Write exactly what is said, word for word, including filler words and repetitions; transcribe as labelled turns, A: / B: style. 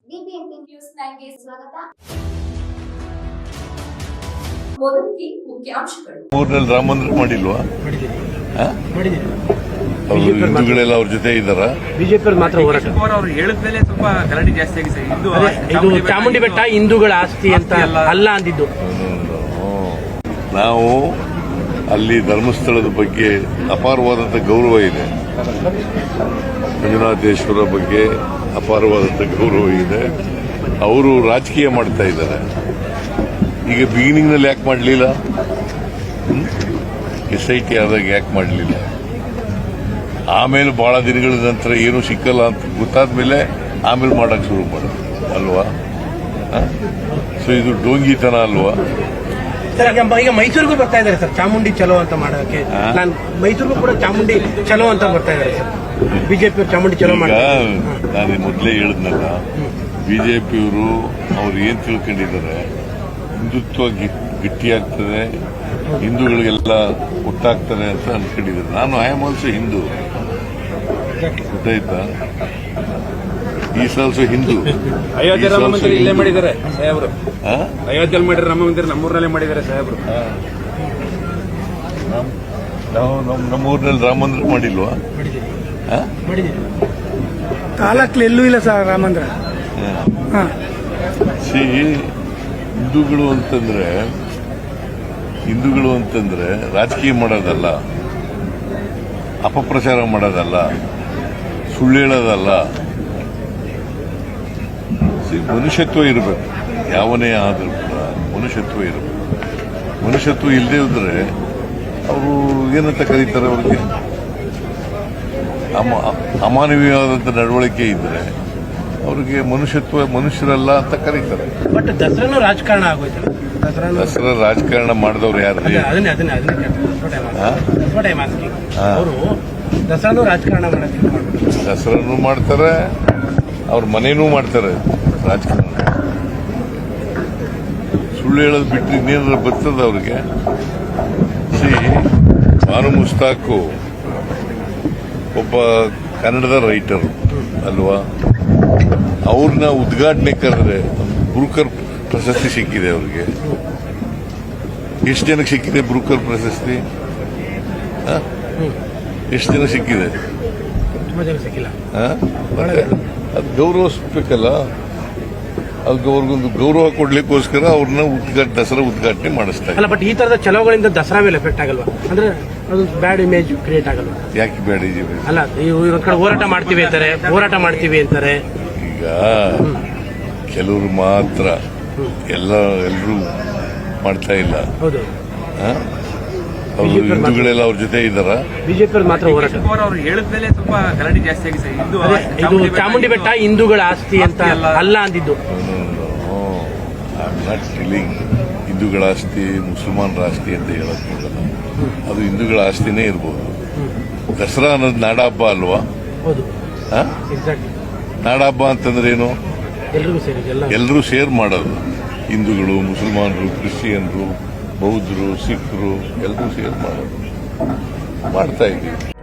A: BBMP news ನೈನ್ಗೆ ಸ್ವಾಗತ. ಮೊದಲಿಗೆ ಮುಖ್ಯಾಂಶಗಳು.
B: ಊರಿನಲ್ಲಿ ರಾಮ ಮಂದಿರ ಮಾಡಿಲ್ವಾ? ಅವರು ಹಿಂದೂಗಳೆಲ್ಲ ಅವ್ರ ಜೊತೆ ಇದ್ದಾರ.
C: ಬಿಜೆಪಿ ಮಾತ್ರ ಹೋರಾಟ
D: ಅವರು ಹೇಳಿದ ಮೇಲೆ ಸ್ವಲ್ಪ ಗಲಾಟೆ ಜಾಸ್ತಿ ಆಗಿದೆ ಸರ್. ಹಿಂದೂ
C: ಇದು ಚಾಮುಂಡಿ ಬೆಟ್ಟ ಹಿಂದೂಗಳ ಆಸ್ತಿ ಅಂತ ಅಲ್ಲ ಅಂದಿದ್ದು.
B: ನಾವು ಅಲ್ಲಿ ಧರ್ಮಸ್ಥಳದ ಬಗ್ಗೆ ಅಪಾರವಾದಂಥ ಗೌರವ ಇದೆ. ಮಂಜುನಾಥೇಶ್ವರ ಬಗ್ಗೆ ಅಪಾರವಾದಂಥ ಗೌರವ ಇದೆ. ಅವರು ರಾಜಕೀಯ ಮಾಡ್ತಾ ಇದ್ದಾರೆ. ಈಗ ಬಿಗಿನಿಂಗ್ನಲ್ಲಿ ಯಾಕೆ ಮಾಡಲಿಲ್ಲ? ಎಸ್ ಐ ಟಿ ಆದಾಗ ಯಾಕೆ ಮಾಡಲಿಲ್ಲ? ಆಮೇಲೆ ಬಹಳ ದಿನಗಳ ನಂತರ ಏನೂ ಸಿಕ್ಕಲ್ಲ ಅಂತ ಗೊತ್ತಾದ ಮೇಲೆ ಆಮೇಲೆ ಮಾಡಕ್ಕೆ ಶುರು ಮಾಡೋದು ಅಲ್ವಾ? ಸೊ ಇದು ಡೋಂಗಿತನ ಅಲ್ವಾ?
C: ಸರ್ ಈಗ ಮೈಸೂರಿಗೂ ಬರ್ತಾ ಇದ್ದಾರೆ ಸರ್ ಚಾಮುಂಡಿ ಚಲೋ ಅಂತ ಮಾಡೋಕೆ. ನಾನು ಮೈಸೂರಿಗೂ ಕೂಡ ಚಾಮುಂಡಿ ಚಲೋ ಅಂತ ಬರ್ತಾ ಇದ್ದಾರೆ ಸರ್. ಬಿಜೆಪಿ ಚಾಮುಂಡಿ ಚಲೋ ಮಾಡಿ
B: ನಾನು ಮೊದಲೇ ಹೇಳಿದ್ನಲ್ಲ, ಬಿಜೆಪಿಯವರು ಅವ್ರು ಏನ್ ತಿಳ್ಕೊಂಡಿದ್ದಾರೆ, ಹಿಂದುತ್ವ ಗಟ್ಟಿಯಾಗ್ತದೆ, ಹಿಂದೂಗಳಿಗೆಲ್ಲ ಒಟ್ಟಾಗ್ತದೆ ಅಂತ ಅನ್ಕೊಂಡಿದ್ದಾರೆ. ನಾನು ಐ ಆಮ್ ಆಲ್ಸೋ ಹಿಂದೂ, ಗೊತ್ತಾಯ್ತಾ? Is also Hindu.
D: ಅಯೋಧ್ಯೆ ರಾಮ ಮಂದಿರ ಇಲ್ಲೇ ಮಾಡಿದ್ದಾರೆ ಸಾಹೇಬ್ರು. ಅಯೋಧ್ಯೆಯಲ್ಲಿ ಮಾಡಿದ್ರೆ ರಾಮ ಮಂದಿರ ನಮ್ಮೂರಲ್ಲೇ ಮಾಡಿದ್ದಾರೆ ಸಾಹೇಬ್ರು.
B: ನಾವು ನಮ್ಮೂರಿನಲ್ಲಿ ರಾಮ ಮಂದಿರ ಮಾಡಿಲ್ವಾ?
E: ತಾಲೂಕಲ್ಲಿ ಎಲ್ಲೂ ಇಲ್ಲ ಸರ್ ರಾಮ ಮಂದಿರ.
B: ಸಿ ಹಿಂದೂಗಳು ಅಂತಂದ್ರೆ ಹಿಂದೂಗಳು ಅಂತಂದ್ರೆ ರಾಜಕೀಯ ಮಾಡೋದಲ್ಲ, ಅಪಪ್ರಚಾರ ಮಾಡೋದಲ್ಲ, ಸುಳ್ಳು ಹೇಳೋದಲ್ಲ. ಮನುಷ್ಯತ್ವ ಇರಬೇಕು. ಯಾವನೇ ಆದರೂ ಕೂಡ ಮನುಷ್ಯತ್ವ ಇರಬೇಕು. ಮನುಷ್ಯತ್ವ ಇಲ್ಲದೆ ಇದ್ರೆ ಅವರು ಏನಂತ ಕರೀತಾರೆ? ಅವ್ರಿಗೆ ಅಮ ಅಮಾನವೀಯವಾದಂಥ ನಡವಳಿಕೆ ಇದ್ರೆ ಅವ್ರಿಗೆ ಮನುಷ್ಯತ್ವ ಮನುಷ್ಯರಲ್ಲ ಅಂತ ಕರೀತಾರೆ.
C: ಬಟ್ ದಸರಾನು ರಾಜಕಾರಣ ಆಗೋಯ್ತು.
B: ದಸರಾ ರಾಜಕಾರಣ ಮಾಡಿದವ್ರು ಯಾರು?
C: ಅವರು ದಸರಾನು ರಾಜಕಾರಣ ಮಾಡೋದು.
B: ದಸರಾನು ಮಾಡ್ತಾರೆ, ಅವ್ರ ಮನೇನೂ ಮಾಡ್ತಾರೆ ರಾಜಕಾರಣ. ಸುಳ್ಳು ಹೇಳೋದು ಬಿಟ್ಟರೆ ಇನ್ನೇನಾದ್ರು ಬರ್ತದ ಅವ್ರಿಗೆ? ಸಿ ಬಾನು ಮುಸ್ತಾಕು ಒಬ್ಬ ಕನ್ನಡದ ರೈಟರ್ ಅಲ್ವಾ? ಅವ್ರನ್ನ ಉದ್ಘಾಟನೆ ಕರೆದ್ರೆ ಬ್ರೂಕರ್ ಪ್ರಶಸ್ತಿ ಸಿಕ್ಕಿದೆ ಅವ್ರಿಗೆ. ಎಷ್ಟು ಜನಕ್ಕೆ ಸಿಕ್ಕಿದೆ ಬ್ರೂಕರ್ ಪ್ರಶಸ್ತಿ? ಎಷ್ಟು ಜನ ಸಿಕ್ಕಿದೆ? ಅದು ಗೌರವಿಸ್ಬೇಕಲ್ಲ. ಅದಕ್ಕೆ ಅವ್ರಿಗೊಂದು ಗೌರವ ಕೊಡ್ಲಿಕ್ಕೋಸ್ಕರ ಅವ್ರನ್ನ ಉದ್ಘಾಟನೆ ದಸರಾ ಉದ್ಘಾಟನೆ ಮಾಡಿಸ್ತಾರೆ.
C: ಅಲ್ಲ, ಬಟ್ ಈ ತರದ ಚಲೋಗಳಿಂದ ದಸರಾ ಮೇಲೆ ಎಫೆಕ್ಟ್ ಆಗಲ್ವಾ? ಅಂದ್ರೆ ಅದು ಬ್ಯಾಡ್ ಇಮೇಜ್ ಕ್ರಿಯೇಟ್ ಆಗಲ್ವಾ?
B: ಯಾಕೆ ಬ್ಯಾಡ್ ಇಮೇಜ್?
C: ಅಲ್ಲ, ಇವ್ರ ಕಡೆ ಹೋರಾಟ ಮಾಡ್ತೀವಿ ಅಂತಾರೆ, ಹೋರಾಟ ಮಾಡ್ತೀವಿ ಅಂತಾರೆ.
B: ಈಗ ಕೆಲವರು ಮಾತ್ರ, ಎಲ್ಲ ಎಲ್ಲರೂ ಮಾಡ್ತಾ ಇಲ್ಲ.
C: ಹೌದು,
B: ಅವರು ಹಿಂದೂಗಳೆಲ್ಲ ಅವ್ರ ಜೊತೆ ಇದ್ದಾರ.
C: ಬಿಜೆಪಿ ಮಾತ್ರ ಹೋರಾಟ.
D: ಅವರು ಹೇಳಿದ ಮೇಲೆ ಸ್ವಲ್ಪ ಗಲಾಟೆ ಜಾಸ್ತಿ ಆಗಿದೆ ಸರ್. ಹಿಂದೂ
C: ಇದು ಚಾಮುಂಡಿ ಬೆಟ್ಟ ಹಿಂದೂಗಳ ಆಸ್ತಿ ಅಂತ ಅಲ್ಲ ಅಂದಿದ್ದು.
B: ಹಿಂದೂಗಳ ಆಸ್ತಿ ಮುಸಲ್ಮಾನರ ಆಸ್ತಿ ಅಂತ ಹೇಳಕ್ ಹೋಗಲ್ಲ. ಅದು ಹಿಂದೂಗಳ ಆಸ್ತಿನೇ ಇರ್ಬೋದು. ದಸರಾ ಅನ್ನೋದು ನಾಡ ಹಬ್ಬ ಅಲ್ವಾ?
C: ಹೌದು,
B: ನಾಡ ಹಬ್ಬ ಅಂತಂದ್ರೆ ಏನು? ಎಲ್ಲರೂ ಸೇರ್ ಮಾಡೋದು. ಹಿಂದೂಗಳು, ಮುಸಲ್ಮಾನರು, ಕ್ರಿಶ್ಚಿಯನ್ರು, ಬೌದ್ಧರು, ಸಿಖ್ರು ಎಲ್ಲರೂ ಸೇರ್ ಮಾಡೋದು ಮಾಡ್ತಾ ಇದ್ದೀವಿ.